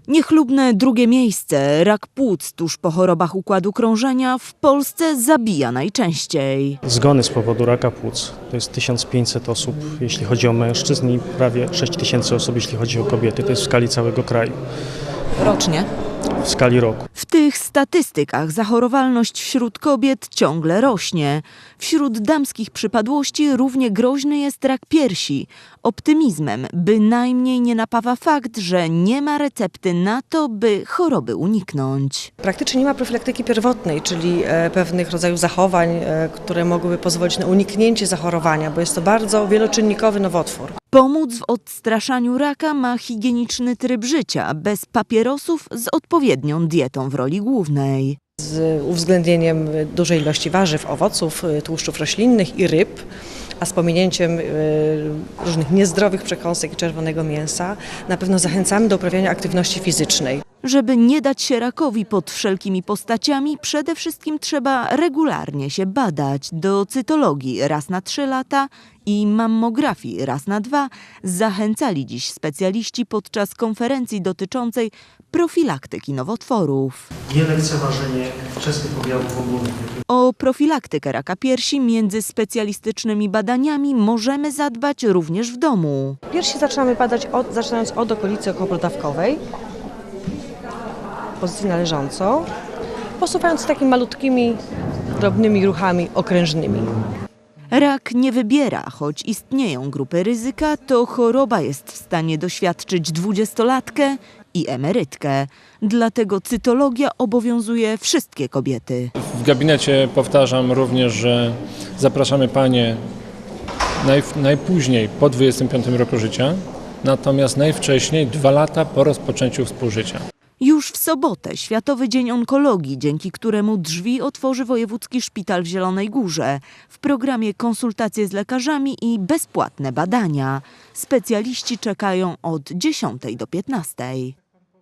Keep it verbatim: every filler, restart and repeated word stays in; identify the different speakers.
Speaker 1: Niechlubne drugie miejsce. Rak płuc tuż po chorobach układu krążenia w Polsce zabija najczęściej.
Speaker 2: Zgony z powodu raka płuc to jest tysiąc pięćset osób, jeśli chodzi o mężczyzn, i prawie sześć tysięcy osób, jeśli chodzi o kobiety. To jest w skali całego kraju.
Speaker 1: Rocznie?
Speaker 2: W skali roku.
Speaker 1: W tych statystykach zachorowalność wśród kobiet ciągle rośnie. Wśród damskich przypadłości równie groźny jest rak piersi. Optymizmem bynajmniej nie napawa fakt, że nie ma recepty na to, by choroby uniknąć.
Speaker 3: Praktycznie nie ma profilaktyki pierwotnej, czyli pewnych rodzajów zachowań, które mogłyby pozwolić na uniknięcie zachorowania, bo jest to bardzo wieloczynnikowy nowotwór.
Speaker 1: Pomóc w odstraszaniu raka ma higieniczny tryb życia, bez papierosów, z odpowiednią dietą w roli głównej.
Speaker 3: Z uwzględnieniem dużej ilości warzyw, owoców, tłuszczów roślinnych i ryb, a z pominięciem różnych niezdrowych przekąsek i czerwonego mięsa, na pewno zachęcamy do uprawiania aktywności fizycznej.
Speaker 1: Żeby nie dać się rakowi pod wszelkimi postaciami, przede wszystkim trzeba regularnie się badać. Do cytologii raz na trzy lata i mammografii raz na dwa zachęcali dziś specjaliści podczas konferencji dotyczącej profilaktyki nowotworów.
Speaker 2: Nielekceważenie wczesnych objawów ogólnych.
Speaker 1: O profilaktykę raka piersi między specjalistycznymi badaniami możemy zadbać również w domu.
Speaker 3: Piersi zaczynamy badać od, zaczynając od okolicy okołoprodawkowej, pozycji należącą, posuwając takimi malutkimi, drobnymi ruchami okrężnymi.
Speaker 1: Rak nie wybiera, choć istnieją grupy ryzyka, to choroba jest w stanie doświadczyć dwudziestolatkę i emerytkę. Dlatego cytologia obowiązuje wszystkie kobiety.
Speaker 4: W gabinecie powtarzam również, że zapraszamy panie naj, najpóźniej po dwudziestym piątym roku życia, natomiast najwcześniej dwa lata po rozpoczęciu współżycia.
Speaker 1: Już w sobotę Światowy Dzień Onkologii, dzięki któremu drzwi otworzy Wojewódzki Szpital w Zielonej Górze. W programie konsultacje z lekarzami i bezpłatne badania. Specjaliści czekają od dziesiątej do piętnastej.